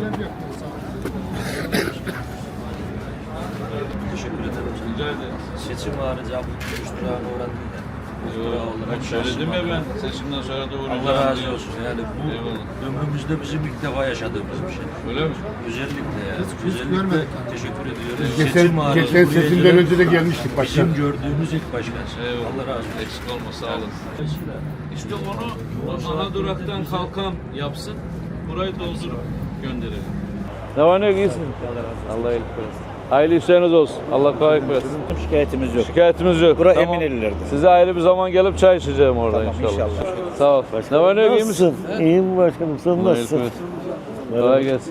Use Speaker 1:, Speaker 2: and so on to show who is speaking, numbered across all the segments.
Speaker 1: Teşekkür ederim.
Speaker 2: Rica ederim.
Speaker 1: Seçim harici abi 3 liraya uğradım da.
Speaker 2: Bak söyledim ya ben seçimden sonra da uğrayacağım.
Speaker 1: Allah razı olsun. Yani bu
Speaker 2: Eyvallah.
Speaker 1: ömrümüzde bizim ilk defa yaşadığımız bir şey.
Speaker 2: Öyle mi?
Speaker 1: Özellikle yani.
Speaker 3: Hiç
Speaker 1: Özellikle
Speaker 3: görmedik.
Speaker 1: teşekkür ediyoruz.
Speaker 3: Geçen
Speaker 1: buraya
Speaker 3: seçimden
Speaker 1: gelen
Speaker 3: önce de gelmiştik başkan.
Speaker 1: Bizim gördüğümüz ilk başkan.
Speaker 2: Eyvallah.
Speaker 1: Allah razı olsun.
Speaker 2: Eksik olma sağ olun. İşte onu ana duraktan kalkan yapsın. Burayı doldurup gönderelim.
Speaker 4: Ne var ne yok iyisin? Allah iyilik versin. Hayırlı işleriniz olsun. Allah kolaylık versin.
Speaker 5: Şikayetimiz yok.
Speaker 4: Şikayetimiz yok.
Speaker 5: Bura
Speaker 4: Tamam.
Speaker 5: Emineliler'de.
Speaker 4: Size ayrı bir zaman gelip çay içeceğim orada
Speaker 5: Tamam,
Speaker 4: inşallah.
Speaker 5: inşallah.
Speaker 4: Sağ ol. Ne var ne yok iyi misin?
Speaker 5: İyiyim başkanım. Sen
Speaker 4: Allah iyilik
Speaker 5: nasılsın?
Speaker 4: versin. Kolay gelsin.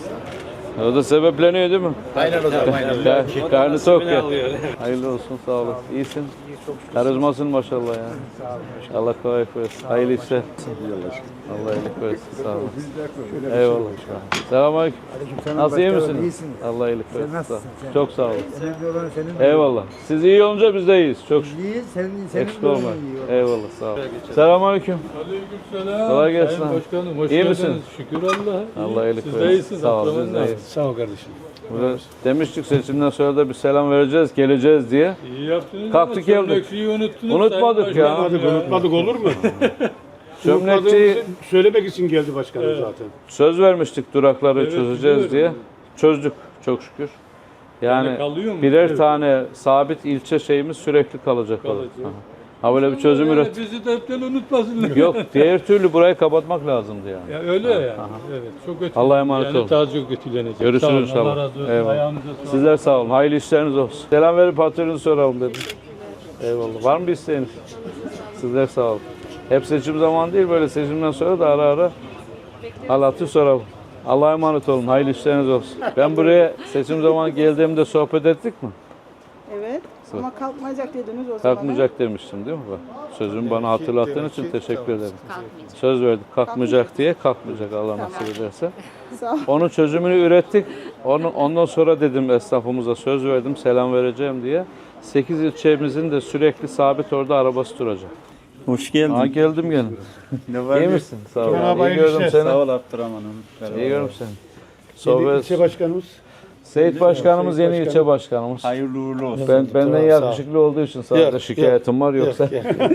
Speaker 4: O da sebepleniyor değil mi?
Speaker 5: Aynen o zaman. Aynen.
Speaker 4: Karnı tok ya. Hayırlı olsun sağ olun. İyisin. Karizmasın maşallah ya. Allah kolaylık versin. Hayırlı işler. Allah iyilik versin. Sağ olun. Eyvallah. Selamünaleyküm. Nasıl iyi misin? Allah iyilik versin. Sağ ol. Çok sağ olun. Eyvallah. Siz iyi olunca biz de iyiyiz. Çok şükür. Eksik olma. Eyvallah sağ olun. Selamünaleyküm.
Speaker 6: Aleykümselam.
Speaker 4: Kolay gelsin
Speaker 6: Sayın
Speaker 4: abi.
Speaker 6: Başkanım hoş
Speaker 4: İyi
Speaker 6: geldiniz.
Speaker 4: misin?
Speaker 6: Şükür Allah'a.
Speaker 4: Allah iyilik
Speaker 6: Siz
Speaker 4: versin.
Speaker 6: de iyisiniz.
Speaker 4: Sağ ol,
Speaker 6: Akrabanız
Speaker 4: biz de
Speaker 6: nasıl?
Speaker 4: iyiyiz.
Speaker 6: Sağ ol kardeşim.
Speaker 4: Burada demiştik seçimden sonra da bir selam vereceğiz, geleceğiz diye.
Speaker 6: İyi yaptınız.
Speaker 4: Kalktık
Speaker 6: ama
Speaker 4: geldik.
Speaker 6: çömlekçiyi unuttunuz.
Speaker 4: Unutmadık
Speaker 6: Sayın
Speaker 4: ya.
Speaker 6: Başkanım
Speaker 3: Unutmadık olur mu?
Speaker 4: Çömlekçiyi
Speaker 3: Söylemek için geldi başkanım zaten.
Speaker 4: söz vermiştik durakları
Speaker 6: Evet,
Speaker 4: çözeceğiz diye.
Speaker 6: biliyorum.
Speaker 4: Çözdük çok şükür. Yani
Speaker 6: kalıyor mu?
Speaker 4: birer
Speaker 6: Evet.
Speaker 4: tane sabit ilçe şeyimiz sürekli kalacak. orada.
Speaker 6: Kalacak.
Speaker 4: Aha. Ha böyle bir çözüm
Speaker 6: Yani
Speaker 4: üret.
Speaker 6: bizi de hepten unutmasınlar.
Speaker 4: Yok diğer türlü burayı kapatmak lazımdı yani.
Speaker 6: Ya öyle yani. Evet. Çok kötü.
Speaker 4: Allah'a emanet
Speaker 6: yani
Speaker 4: olun.
Speaker 6: daha çok kötülenecek.
Speaker 4: Görüşürüz
Speaker 6: Sağ olun,
Speaker 4: inşallah.
Speaker 6: Allah razı olsun.
Speaker 4: Eyvallah.
Speaker 6: Ayağınıza sağlık.
Speaker 4: Sizler sağ olun. Hayırlı işleriniz olsun. Selam verip hatırınızı soralım dedim. Eyvallah. Var mı bir isteğiniz? Sizler sağ olun. Hep seçim zamanı değil, böyle seçimden sonra da ara ara hal hatır soralım. Allah'a emanet olun. Hayırlı işleriniz olsun. Ben buraya seçim zamanı geldiğimde sohbet ettik mi?
Speaker 7: Evet. Ama kalkmayacak dediniz o zaman.
Speaker 4: Kalkmayacak demiştim değil mi? Bak, sözümü bana hatırlattığın için teşekkür ederim. Söz verdik kalkmayacak diye, kalkmayacak Allah nasip ederse.
Speaker 7: Sağ ol.
Speaker 4: Onun çözümünü ürettik. Ondan sonra dedim esnafımıza söz verdim selam vereceğim diye. 8 ilçemizin de sürekli sabit orada arabası duracak.
Speaker 5: Hoş geldin.
Speaker 4: Aa geldim gene.
Speaker 5: Ne var?
Speaker 4: İyi misin? Sağ ol.
Speaker 3: Merhaba,
Speaker 4: İyi
Speaker 3: hayırlı
Speaker 4: gördüm
Speaker 3: işler.
Speaker 4: seni.
Speaker 5: Sağ ol Abdurrahman'ım.
Speaker 4: İyi gördüm seni. Sohbet.
Speaker 3: İlçe başkanımız.
Speaker 4: Seyit Başkanımız yeni ilçe başkanımız.
Speaker 5: Hayırlı uğurlu olsun.
Speaker 4: Benden yakışıklı olduğu için sadece şikayetim var yoksa.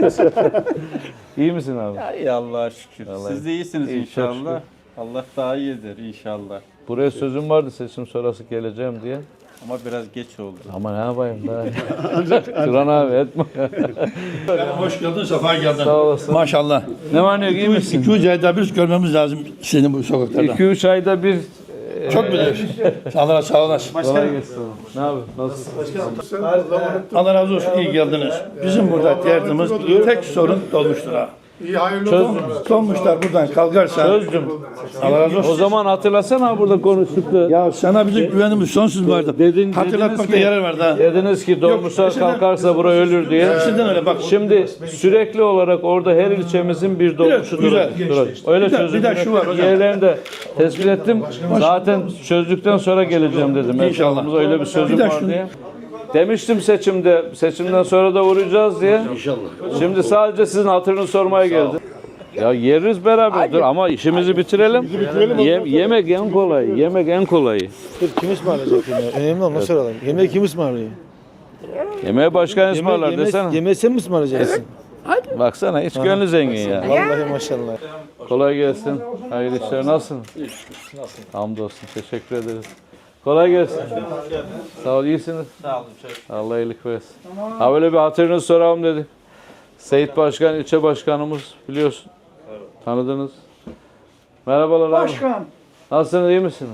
Speaker 4: İyi misin abi?
Speaker 5: İyi Allah'a şükür.
Speaker 4: Vallahi
Speaker 5: Siz de iyisiniz
Speaker 4: iyi, çok
Speaker 5: inşallah. Allah daha iyi eder inşallah.
Speaker 4: Buraya sözüm vardı seçim sonrası geleceğim diye.
Speaker 5: Ama biraz geç oldu.
Speaker 4: Ama ne yapayım daha. Turan abi etme.
Speaker 8: Hoş geldin, sefa geldin.
Speaker 4: Sağ olasın.
Speaker 8: Maşallah.
Speaker 4: Ne var ne yok iyi misin?
Speaker 8: 200 ayda bir görmemiz lazım seni bu sokaklarda.
Speaker 4: 2-3 ayda bir
Speaker 8: Çok biliyorsun. Sağ olasın.
Speaker 4: kolay gelsin. Ne yapıyorsun? Nasılsın?
Speaker 8: Allah razı olsun, iyi geldiniz. Bizim burada derdimiz tek sorun dolmuştur ha.
Speaker 3: İyi hayırlı olsun.
Speaker 8: Dolmuşlar buradan kalkarsa.
Speaker 4: Çözdüm.
Speaker 8: Allah razı
Speaker 4: O
Speaker 8: olsun.
Speaker 4: zaman hatırlasana burada konuştuk da.
Speaker 8: Ya sana bizim güvenimiz sonsuz vardı. Hatırlatmakta yarar var da.
Speaker 4: Dediniz ki dolmuşlar
Speaker 8: eskiden-
Speaker 4: kalkarsa bura ölür diye.
Speaker 8: Eskiden öyle bak.
Speaker 4: Şimdi sürekli olarak orada her ilçemizin bir dolmuşu
Speaker 8: Güzel.
Speaker 4: duracak. Öyle
Speaker 8: Bir de şu var hocam.
Speaker 4: yerlerini de tespit ettim. Zaten çözdükten sonra geleceğim dedim.
Speaker 8: İnşallah.
Speaker 4: Etrafımızda öyle bir sözüm
Speaker 8: Bir de
Speaker 4: var
Speaker 8: şunu-
Speaker 4: diye. Demiştim seçimden sonra da uğrayacağız diye. İnşallah. Şimdi sadece sizin hatırını sormaya geldim. Ya yeriz beraber dur ama işimizi bitirelim. Yemek en kolayı. Yemek en kolayı.
Speaker 9: Kim ısmarlayacak yemeği? Önemli olan nasıl alalım? Yemeği kim ısmarlıyor?
Speaker 4: Yemeği başkan ısmarlar desene.
Speaker 9: Yemeği sen mi ısmarlayacaksın?
Speaker 4: Baksana hiç gönlü zengin ya.
Speaker 9: Vallahi maşallah.
Speaker 4: Kolay gelsin. Hayırlı işler. Nasılsın? Hamdolsun. Teşekkür ederiz. Kolay gelsin. Sağ ol. İyisiniz.
Speaker 5: Sağ olun.
Speaker 4: Allah iyilik versin. Ha böyle bir hatırınızı soralım dedik. Seyit Başkan, ilçe başkanımız biliyorsun. Tanıdınız. Merhabalar abi.
Speaker 10: Başkan,
Speaker 4: Nasılsınız? İyi misiniz?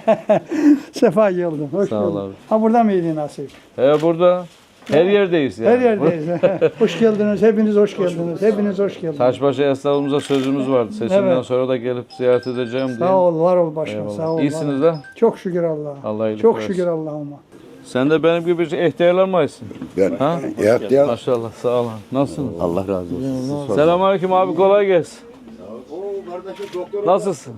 Speaker 10: sefa geldin. Hoş
Speaker 4: Sağ ol
Speaker 10: bulduk.
Speaker 4: abi.
Speaker 10: Ha burada mıydın nasip?
Speaker 4: Burada. Her yerdeyiz yani.
Speaker 10: Her yerdeyiz. Hoş geldiniz. Hepiniz hoş geldiniz. Hepiniz hoş geldiniz.
Speaker 4: Taşbaşı esnafımıza sözümüz vardı. Seçimden
Speaker 10: Evet.
Speaker 4: sonra da gelip ziyaret edeceğim diye.
Speaker 10: Sağ ol, var ol başkan.
Speaker 4: Eyvallah.
Speaker 10: Sağ ol.
Speaker 4: İyisiniz
Speaker 10: var ol.
Speaker 4: de.
Speaker 10: Çok şükür Allah'a.
Speaker 4: Allah iyilik
Speaker 10: Çok
Speaker 4: versin.
Speaker 10: şükür Allah'ıma.
Speaker 4: Sen de benim gibi ihtiyarlar mısın?
Speaker 9: Ben.
Speaker 4: Ha?
Speaker 9: Ya.
Speaker 4: Maşallah. Sağ olun. Nasılsınız?
Speaker 9: Allah razı olsun.
Speaker 4: Selamünaleyküm abi kolay gelsin. Nasılsın?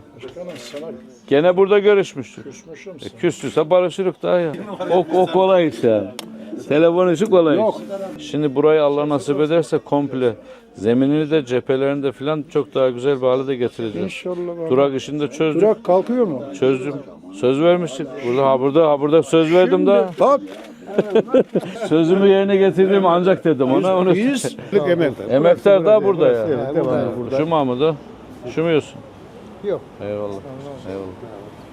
Speaker 4: Gene burada görüşmüştük. Küstüyse barışırık daha ya. O kolay iş yani. Telefon işi kolay. Şimdi burayı Allah nasip ederse komple zeminini de cephelerini de filan çok daha güzel bir hale de getireceğiz.
Speaker 10: İnşallah.
Speaker 4: Durak işini de çözdüm.
Speaker 10: Durak kalkıyor mu?
Speaker 4: Çözdüm. Söz vermiştik. Burada söz verdim de.
Speaker 10: Bak.
Speaker 4: Sözümü yerine getirdim ancak dedim ona. Onu emektar da burada ya. Şu Mahmut'u. Şu mu yiyorsun?
Speaker 10: Yok.
Speaker 4: Eyvallah. Eyvallah.